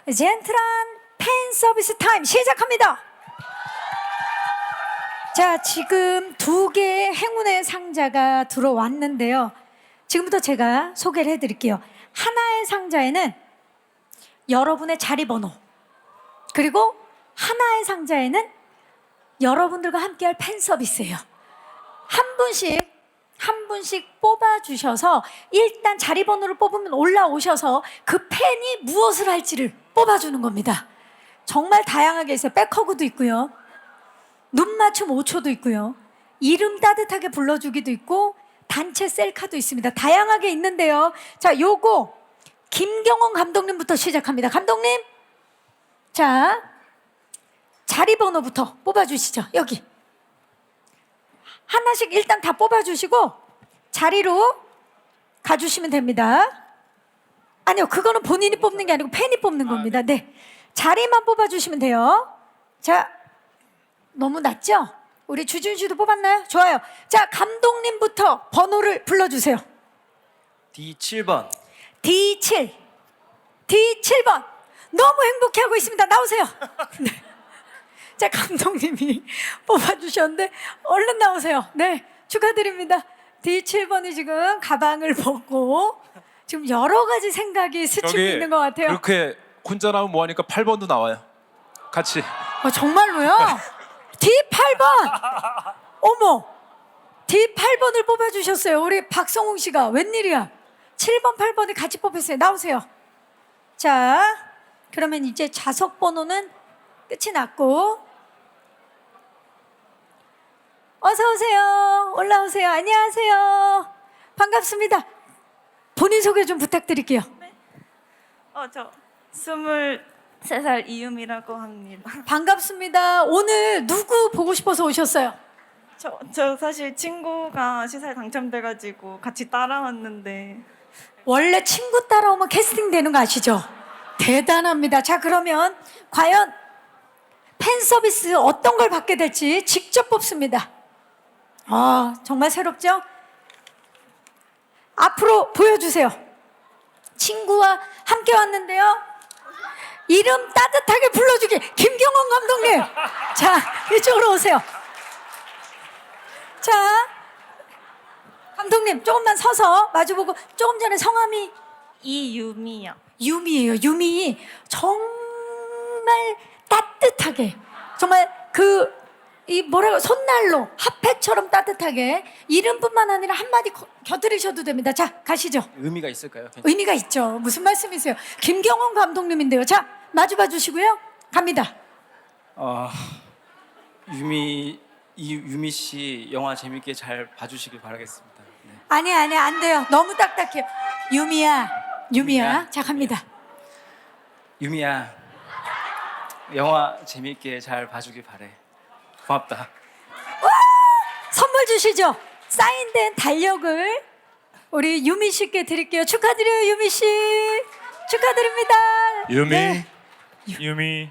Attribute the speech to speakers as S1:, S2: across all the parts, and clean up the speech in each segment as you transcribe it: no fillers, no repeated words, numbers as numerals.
S1: 젠틀한 팬 서비스 타임 시작합니다. 자, 지금 2개의 행운의 상자가 들어왔는데요. 지금부터 제가 소개를 해드릴게요. 하나의 상자에는 여러분의 자리 번호, 그리고 하나의 상자에는 여러분들과 함께할 팬 서비스예요. 한 분씩 뽑아주셔서 일단 자리 번호를 뽑으면 올라오셔서 그 팬이 무엇을 할지를 뽑아주는 겁니다. 정말 다양하게 있어요. 백허그도 있고요, 눈 맞춤 5초도 있고요, 이름 따뜻하게 불러주기도 있고, 단체 셀카도 있습니다. 다양하게 있는데요. 자, 요거 김경원 감독님부터 시작합니다. 감독님, 자, 자리 번호부터 뽑아주시죠. 여기 하나씩 일단 다 뽑아주시고 자리로 가주시면 됩니다. 아니요, 그거는 본인이 뽑는 게 아니고 팬이 뽑는 겁니다. 네, 자리만 뽑아주시면 돼요. 자, 너무 낮죠? 우리 주준 씨도 뽑았나요? 좋아요. 자, 감독님부터 번호를 불러주세요.
S2: D7번.
S1: D7번. 너무 행복해하고 있습니다. 나오세요. 네. 자, 감독님이 뽑아주셨는데 얼른 나오세요. 네, 축하드립니다. D7번이 지금 가방을 벗고 지금 여러 가지 생각이 스치고 있는 것 같아요.
S3: 이렇게 혼자 나오면 뭐하니까 8번도 나와요. 같이.
S1: 정말로요? D8번. 어머, D8번을 뽑아주셨어요. 우리 박성웅 씨가. 웬일이야. 7번, 8번이 같이 뽑혔어요. 나오세요. 자, 그러면 이제 좌석 번호는 끝이 났고, 어서 오세요. 올라오세요. 안녕하세요. 반갑습니다. 본인 소개 좀 부탁드릴게요.
S4: 저 23살 이유미라고 합니다.
S1: 반갑습니다. 오늘 누구 보고 싶어서 오셨어요?
S4: 저 사실 친구가 시사에 당첨돼가지고 같이 따라왔는데.
S1: 원래 친구 따라오면 캐스팅 되는 거 아시죠? 대단합니다. 자, 그러면 과연 팬 서비스 어떤 걸 받게 될지 직접 뽑습니다. 정말 새롭죠? 앞으로 보여주세요. 친구와 함께 왔는데요. 이름 따뜻하게 불러주기, 김경원 감독님. 자, 이쪽으로 오세요. 자, 감독님 조금만 서서 마주보고. 조금 전에 성함이
S4: 이유미요.
S1: 유미예요. 유미. 정말 따뜻하게, 정말 손난로 핫팩처럼 따뜻하게, 이름뿐만 아니라 한마디 곁들이셔도 됩니다. 자, 가시죠.
S2: 의미가 있을까요?
S1: 의미가 있죠. 무슨 말씀이세요? 김경원 감독님인데요. 자, 마주봐 주시고요. 갑니다.
S2: 유미 씨 영화 재밌게 잘 봐주시길 바라겠습니다. 네.
S1: 아니, 안 돼요. 너무 딱딱해요. 유미야.
S2: 유미야.
S1: 자, 갑니다.
S2: 유미야, 영화 재밌게 잘 봐주길 바래. 고맙다.
S1: 선물 주시죠. 사인된 달력을 우리 유미 씨께 드릴게요. 축하드려요, 유미 씨. 축하드립니다.
S3: 유미.
S1: 네.
S3: 유미.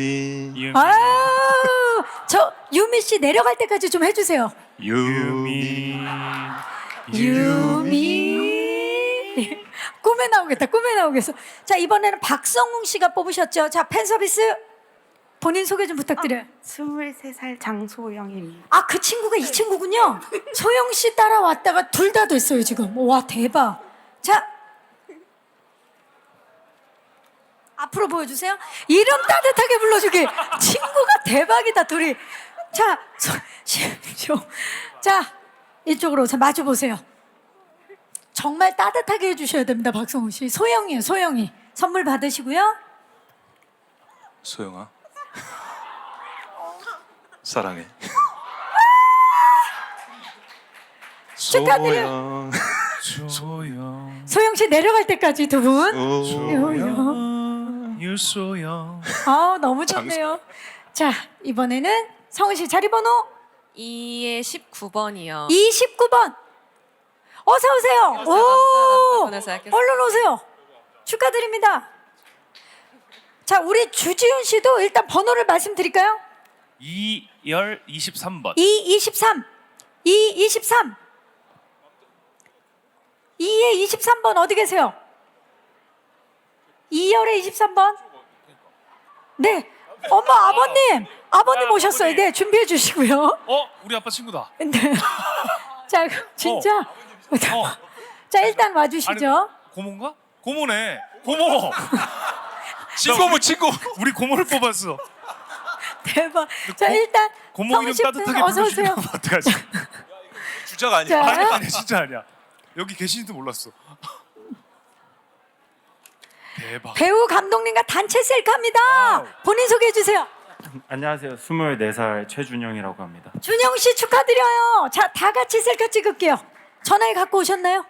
S1: 저 유미 씨 내려갈 때까지 좀 해주세요.
S3: 유미.
S1: 유미. 꿈에 나오겠어. 자, 이번에는 박성웅 씨가 뽑으셨죠. 자, 팬 서비스 본인 소개 좀 부탁드려요.
S4: 23살 장소영입니다.
S1: 그 친구가 이 친구군요. 소영 씨 따라왔다가 둘 다 됐어요 지금. 와, 대박. 자, 앞으로 보여주세요. 이름 따뜻하게 불러주기. 친구가 대박이다, 둘이. 자, 자, 이쪽으로 마주 보세요. 정말 따뜻하게 해주셔야 됩니다, 박성우 씨. 소영이에요, 소영이. 선물 받으시고요.
S3: 소영아. 사랑해.
S1: 축하드려요. 소영 씨 내려갈 때까지 두 분.
S3: 유소영.
S1: 너무 좋네요. 자, 이번에는 성우 씨 자리 번호
S5: 2의 19번이요.
S1: 29번. 어서 오세요. 오, 얼른 오세요. 축하드립니다. 자, 우리 주지훈 씨도 일단 번호를 말씀드릴까요?
S3: 2열 23번.
S1: 223. 223. 2의 23번 어디 계세요? 2열의 23번? 네. 어머 아버님 오셨어요. 네, 준비해 주시고요.
S3: 우리 아빠 친구다.
S1: 네. 자, 진짜. 자, 일단 와주시죠.
S6: 고모인가? 고모네. 고모.
S3: 친구.
S6: 우리 고모를 뽑았어.
S1: 대박. 자, 일단
S6: 고모 이름
S1: 성우
S6: 따뜻하게
S1: 어서 오세요.
S6: 부르시면 어떡하지?
S3: 주자가
S1: 자,
S3: 아니야.
S6: 아니 진짜 아니야. 여기 계신지도 몰랐어. 대박.
S1: 배우 감독님과 단체 셀카입니다. 본인 소개해 주세요.
S7: 안녕하세요. 24살 최준영이라고 합니다.
S1: 준영 씨 축하드려요. 자, 다 같이 셀카 찍을게요. 전화기 갖고 오셨나요?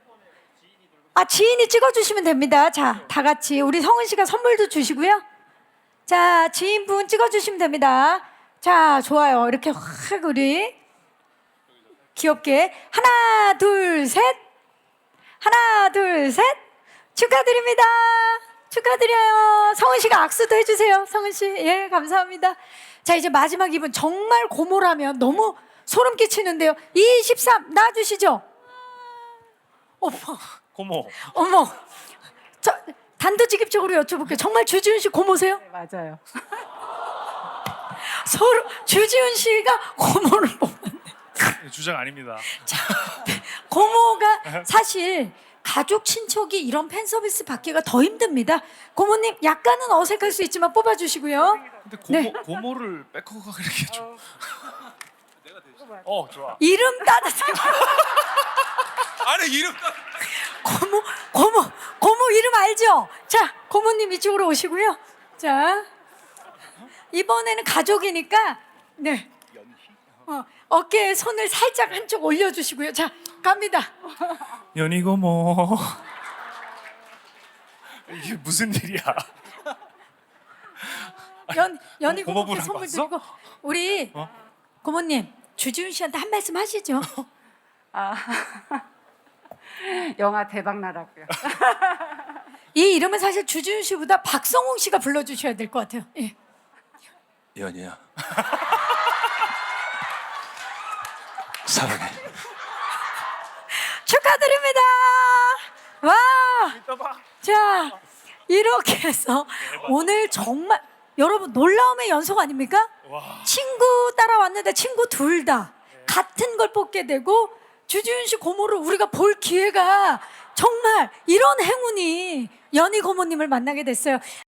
S1: 지인이 찍어주시면 됩니다. 자, 다 같이 우리 성은 씨가 선물도 주시고요. 자, 지인분 찍어주시면 됩니다. 자, 좋아요. 이렇게 확 우리 귀엽게 하나, 둘, 셋. 하나, 둘, 셋. 축하드립니다. 축하드려요. 성은 씨가 악수도 해주세요. 성은 씨, 예, 감사합니다. 자, 이제 마지막 이분 정말 고모라면 너무 소름 끼치는데요. 23 나와주시죠.
S6: 고모.
S1: 어머, 저 단도직입적으로 여쭤볼게요. 정말 주지훈 씨 고모세요?
S8: 네, 맞아요.
S1: 서로 주지훈 씨가 고모를 뽑았네.
S6: 주장 아닙니다.
S1: 고모가 사실 가족 친척이 이런 팬 서비스 받기가 더 힘듭니다. 고모님 약간은 어색할 수 있지만 뽑아주시고요.
S6: 근데
S1: 네.
S6: 고모를 백허가 이렇게 좀. 좋아.
S1: 이름 따뜻해.
S3: 아니 이름
S1: 고모 이름 알죠? 자, 고모님 이쪽으로 오시고요. 자, 이번에는 가족이니까 네. 어깨에 손을 살짝 한쪽 올려주시고요. 자, 갑니다.
S6: 연희 고모. 이게 무슨 일이야?
S1: 연희 고모께
S6: 고모분하고
S1: 선물
S6: 왔어?
S1: 드리고 우리 고모님 주지훈 씨한테 한 말씀 하시죠.
S8: 영화 대박 나라고요.
S1: 이 이름은 사실 주지훈 씨보다 박성웅 씨가 불러주셔야 될 것 같아요. 예.
S3: 연이야. 사랑해.
S1: 축하드립니다. 와. 자, 이렇게 해서 오늘 정말 여러분 놀라움의 연속 아닙니까? 친구 따라왔는데 친구 둘 다 같은 걸 뽑게 되고 주지훈 씨 고모를 우리가 볼 기회가 정말 이런 행운이 연희 고모님을 만나게 됐어요.